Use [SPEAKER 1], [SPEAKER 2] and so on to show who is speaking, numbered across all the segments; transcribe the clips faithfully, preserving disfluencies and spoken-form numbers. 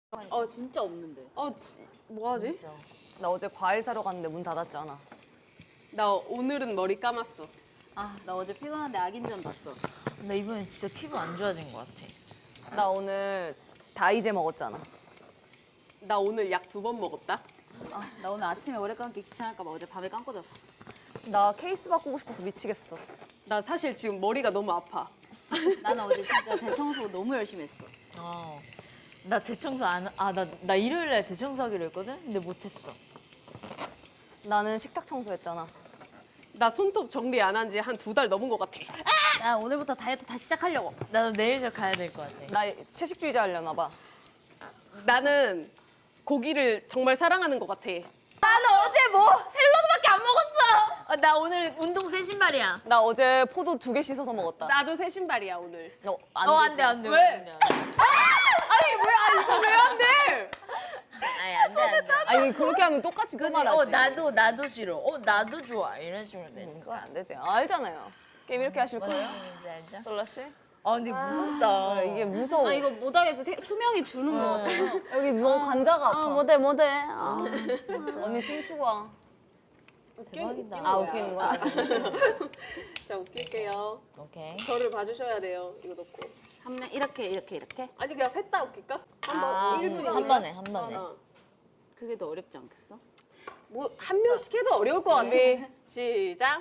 [SPEAKER 1] 어 진짜 없는데.
[SPEAKER 2] 어, 뭐 하지?
[SPEAKER 3] 나 어제 과일 사러 갔는데 문 닫았잖아.
[SPEAKER 2] 나 오늘은 머리 감았어.
[SPEAKER 1] 아 나 어제 피곤한데 악인전 봤어.
[SPEAKER 4] 나 이번엔 진짜 피부 안 좋아진 것 같아.
[SPEAKER 3] 나 오늘 다이제 먹었잖아.
[SPEAKER 2] 나 오늘 약 두 번 먹었다.
[SPEAKER 1] 아 나 오늘 아침에 오래 감기 귀찮을까봐 어제 밤에 감고 잤어.
[SPEAKER 3] 나 케이스 바꾸고 싶어서 미치겠어.
[SPEAKER 2] 나 사실 지금 머리가 너무 아파.
[SPEAKER 1] 나는 어제 진짜 대청소 너무 열심히 했어.
[SPEAKER 4] 어. 나 대청소 안, 아, 나, 나 일요일 날 대청소하기로 했거든? 근데 못했어.
[SPEAKER 3] 나는 식탁 청소했잖아.
[SPEAKER 2] 나 손톱 정리 안 한 지 한 두 달 넘은 것 같아.
[SPEAKER 1] 나 오늘부터 다이어트 다시 시작하려고.
[SPEAKER 4] 나도 내일 저 가야 될 것 같아.
[SPEAKER 3] 나 채식주의자 하려나 봐.
[SPEAKER 2] 나는 고기를 정말 사랑하는 것 같아.
[SPEAKER 4] 나는 어제 뭐 샐러드밖에 안 먹었어. 어, 나 오늘 운동 새 신발이야.
[SPEAKER 3] 나 어제 포도 두 개 씻어서 먹었다.
[SPEAKER 2] 나도 새 신발이야 오늘.
[SPEAKER 3] 너, 안
[SPEAKER 4] 어,
[SPEAKER 3] 되지?
[SPEAKER 4] 안 돼, 안 돼.
[SPEAKER 2] 왜?
[SPEAKER 4] 안 돼, 안 돼.
[SPEAKER 2] 아니 왜 아니 왜 안 돼?
[SPEAKER 4] 아니, 안 돼, 안 돼.
[SPEAKER 3] 아니 그렇게 하면 똑같이 또
[SPEAKER 4] 그치?
[SPEAKER 3] 말하지.
[SPEAKER 4] 어, 나도, 나도 싫어. 어, 나도 좋아. 이런 식으로 돼.
[SPEAKER 3] 음, 그건 안 되지. 알잖아요. 게임 이렇게 하실
[SPEAKER 4] 무슨
[SPEAKER 3] 거예요?
[SPEAKER 4] 얘기인지 알죠?
[SPEAKER 3] 솔라 씨?
[SPEAKER 4] 아, 근데 무섭다.
[SPEAKER 3] 그래, 이게 무서워.
[SPEAKER 1] 아 이거 못하겠어. 세- 수명이 주는 것 같아.
[SPEAKER 3] 여기 너무 관자가 아파.
[SPEAKER 1] 아 못해 못해. 아.
[SPEAKER 3] 언니 춤추고 와.
[SPEAKER 4] 대박이다.
[SPEAKER 3] 아 웃기는 거야?
[SPEAKER 2] 자 웃길게요.
[SPEAKER 4] 오케이.
[SPEAKER 2] 저를 봐주셔야 돼요. 이거 넣고.
[SPEAKER 1] 한 명 이렇게 이렇게 이렇게.
[SPEAKER 2] 아니 그냥 셋 다 웃길까? 한번
[SPEAKER 1] 아,
[SPEAKER 2] 일 분이니까.
[SPEAKER 4] 한 번에, 한 번에.
[SPEAKER 2] 어.
[SPEAKER 1] 그게 더 어렵지 않겠어?
[SPEAKER 2] 뭐 한 명씩 해도 어려울 것 같아. 시작.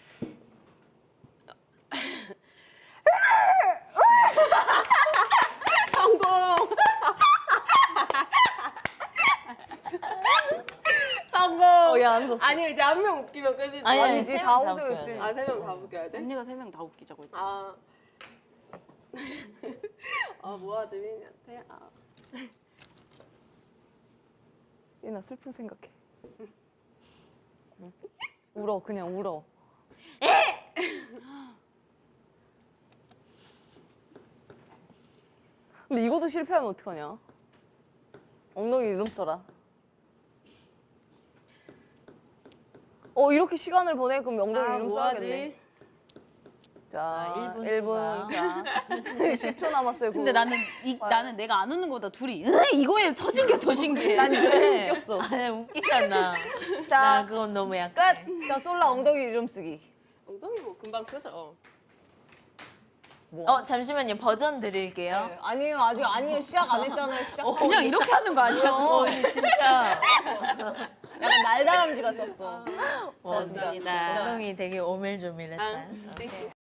[SPEAKER 2] 성공. 성공.
[SPEAKER 3] 어, 얘안 웃었어.
[SPEAKER 2] 아니 이제 한 명 웃기면 끝이지.
[SPEAKER 4] 아니, 아니,
[SPEAKER 3] 아니지,
[SPEAKER 4] 세
[SPEAKER 3] 다
[SPEAKER 4] 명다
[SPEAKER 3] 웃어야지.
[SPEAKER 4] 웃겨야 돼.
[SPEAKER 2] 아, 세 명 다 웃겨야 돼?
[SPEAKER 1] 언니가 세 명 다 웃기자고 했잖아.
[SPEAKER 2] 아. 아, 뭐하지, 민이한테? 아.
[SPEAKER 3] 얘나 슬픈 생각해. 응. 울어, 그냥 울어. 근데 이것도 실패하면 어떡하냐? 엉덩이 이름 써라. 어, 이렇게 시간을 보내? 그럼 엉덩이
[SPEAKER 2] 아,
[SPEAKER 3] 이름
[SPEAKER 2] 뭐하지?
[SPEAKER 3] 써야겠네. 자,
[SPEAKER 4] 아, 일 분
[SPEAKER 3] 일 분. 자, 십 초 남았어요.
[SPEAKER 1] 근데
[SPEAKER 3] 그거.
[SPEAKER 1] 나는 이, 나는 내가 안 웃는 거보다 둘이 으, 이거에 터진 게 더 신기해.
[SPEAKER 3] 난 이게 웃겼어.
[SPEAKER 4] 아니, 웃기잖아.
[SPEAKER 3] 자,
[SPEAKER 4] 나 그건 너무 약간.
[SPEAKER 3] 끝! 자, 솔라 엉덩이 이름 쓰기.
[SPEAKER 2] 엉덩이 뭐 금방 쓰죠.
[SPEAKER 3] 뭐?
[SPEAKER 4] 어, 잠시만요. 버전 드릴게요.
[SPEAKER 3] 네, 아니에요, 아직 아니에요. 시작 안 했잖아요. 시작.
[SPEAKER 1] 그냥 이렇게 하는 거 아니야?
[SPEAKER 4] 어, 언니 진짜.
[SPEAKER 3] 약간 날다람쥐 같았어.
[SPEAKER 4] 와,
[SPEAKER 1] 좋습니다.
[SPEAKER 4] 엉덩이 되게 오밀조밀했다.
[SPEAKER 2] 아,
[SPEAKER 4] 오케이.